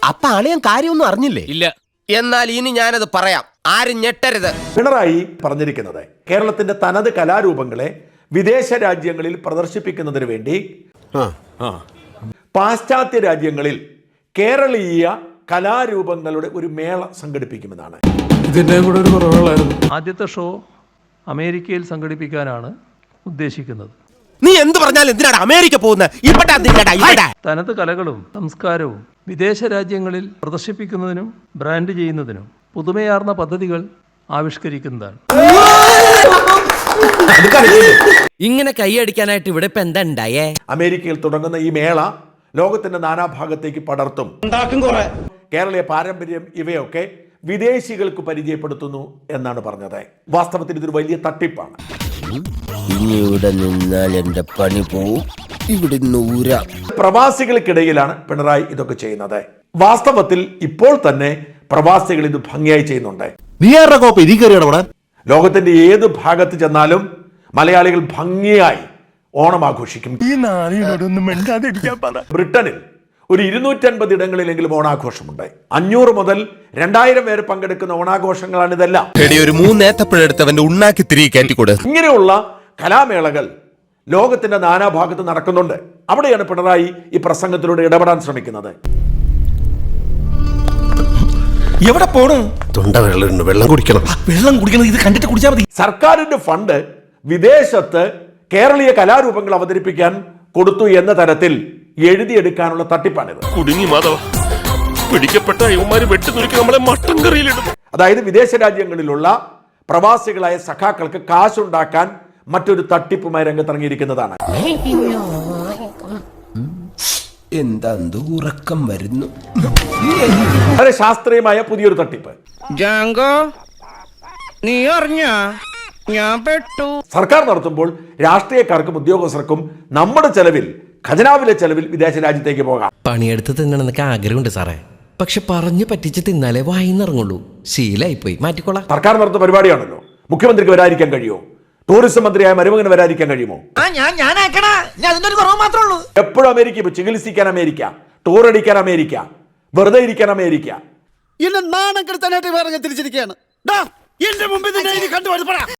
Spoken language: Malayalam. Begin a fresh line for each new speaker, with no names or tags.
അപ്പൊ അളിയൻ കാര്യമൊന്നും അറിഞ്ഞില്ലേ?
ഇല്ല.
എന്നാൽ ഇനി ഞാനത് പറയാം, ആരും ഞെട്ടരുത്.
പിണറായി പറഞ്ഞിരിക്കുന്നത് കേരളത്തിന്റെ തനത് കലാരൂപങ്ങളെ വിദേശ രാജ്യങ്ങളിൽ പ്രദർശിപ്പിക്കുന്നതിന് വേണ്ടി പാശ്ചാത്യ രാജ്യങ്ങളിൽ കേരളീയ കലാരൂപങ്ങളുടെ ഒരു മേള സംഘടിപ്പിക്കുമെന്നാണ്.
ഇതിന്റെ കൂടെ ഒരു കുറവുകളായിരുന്നു.
ആദ്യത്തെ ഷോ അമേരിക്കയിൽ സംഘടിപ്പിക്കാനാണ് ഉദ്ദേശിക്കുന്നത്.
നീ എന്ത് പറഞ്ഞാലും എന്തിനാണ് അമേരിക്ക പോകുന്നത്?
തനത് കലകളും സംസ്കാരവും വിദേശ രാജ്യങ്ങളിൽ പ്രദർശിപ്പിക്കുന്നതിനും ബ്രാൻഡ് ചെയ്യുന്നതിനും പുതുമയാർന്ന പദ്ധതികൾ ആവിഷ്കരിക്കുന്നതാണ്.
ഇങ്ങനെ കൈയടിക്കാനായിട്ട് ഇവിടെ ഇപ്പൊ എന്താ ഉണ്ടായേ?
അമേരിക്കയിൽ തുടങ്ങുന്ന ഈ മേള ലോകത്തിന്റെ നാനാഭാഗത്തേക്ക് പടർത്തും. കേരളീയ പാരമ്പര്യം ഇവയൊക്കെ വിദേശികൾക്ക് പരിചയപ്പെടുത്തുന്നു എന്നാണ് പറഞ്ഞത്. വാസ്തവത്തിൽ ഇതൊരു വലിയ തട്ടിപ്പാണ്.
ഇനി ഇവിടെ നിന്നാൽ എന്റെ പണി പോവും. ഇവിടെ
പ്രവാസികൾക്കിടയിലാണ് പിണറായി ഇതൊക്കെ ചെയ്യുന്നത്. വാസ്തവത്തിൽ ഇപ്പോൾ തന്നെ പ്രവാസികൾ ഇത് ഭംഗിയായി ചെയ്യുന്നുണ്ട്. ലോകത്തിന്റെ ഏത് ഭാഗത്ത് ചെന്നാലും മലയാളികൾ ഭംഗിയായി ഓണം ആഘോഷിക്കും. ബ്രിട്ടനിൽ ഒരു 250 ഇടങ്ങളിലെങ്കിലും ഓണാഘോഷമുണ്ട്. 500 മുതൽ 2000 പേര് പങ്കെടുക്കുന്ന ഓണാഘോഷങ്ങളാണ് ഇതെല്ലാം.
ഒരു 3 ഏത്തപ്പഴെടുത്തവന്റെ ഉണ്ണാക്കി തിരികെ കയറ്റിക്കൂടെ.
ഇങ്ങനെയുള്ള കലാമേളകൾ ലോകത്തിന്റെ നാനാഭാഗത്ത് നടക്കുന്നുണ്ട്. അവിടെയാണ് പിണറായി ഈ പ്രസംഗത്തിലൂടെ ഇടപെടാൻ ശ്രമിക്കുന്നത്.
എവിടെ പോണു? തൊണ്ട വെള്ളം കുടിക്കണം. ഇത് കണ്ടിട്ട് കുടിച്ചാൽ മതി.
സർക്കാരിന്റെ ഫണ്ട് വിദേശത്ത് കേരളീയ കലാരൂപങ്ങൾ അവതരിപ്പിക്കാൻ കൊടുത്തു എന്ന തരത്തിൽ എഴുതിയെടുക്കാനുള്ള തട്ടിപ്പാണിത്.
കുടുങ്ങി മാധവ, പിടിക്കപ്പെട്ട ഇവന്മാര് വെട്ടിനുറുക്കി നമ്മളെ മട്ടൻ കറിയിലിടും.
അതായത് വിദേശ രാജ്യങ്ങളിലുള്ള പ്രവാസികളായ സഖാക്കൾക്ക് കാശുണ്ടാക്കാൻ മറ്റൊരു തട്ടിപ്പുമായി രംഗത്തിറങ്ങിയിരിക്കുന്നതാണ്.
എന്താ ഉറക്കം വരുന്നു.
വളരെ ശാസ്ത്രീയമായ പുതിയൊരു തട്ടിപ്പ്.
നീ അറിഞ്ഞ ഞാൻ പെട്ടു.
സർക്കാർ നടത്തുമ്പോൾ രാഷ്ട്രീയക്കാർക്കും ഉദ്യോഗസ്ഥർക്കും നമ്മുടെ ചെലവിൽ, ഖജനാവിലെ ചെലവിൽ വിദേശ രാജ്യത്തേക്ക് പോകാം.
പണിയെടുത്ത് തിന്നണമെന്നൊക്കെ ആഗ്രഹമുണ്ട് സാറേ, പക്ഷെ പറഞ്ഞു പറ്റിച്ച് തിന്നാലേ വായിന്നിറങ്ങുള്ളൂ. ശീലായിപ്പോയി, മാറ്റിക്കോളാം.
സർക്കാർ നടത്തുന്ന പരിപാടിയാണല്ലോ. മുഖ്യമന്ത്രിക്ക് വരാതിരിക്കാൻ കഴിയുമോ? ടൂറിസം മന്ത്രിയായ മരുമകന് വരാതിരിക്കാൻ കഴിയുമോ? എപ്പോഴും അമേരിക്ക, ഇപ്പൊ ചികിത്സിക്കാൻ അമേരിക്ക, ടൂർ അടിക്കാൻ അമേരിക്ക, വെറുതെ ഇരിക്കാൻ അമേരിക്ക.
എന്നെ നാണം കെടുത്താനായിട്ട് തിരിച്ചിരിക്കുകയാണ്. എന്റെ മുമ്പിൽ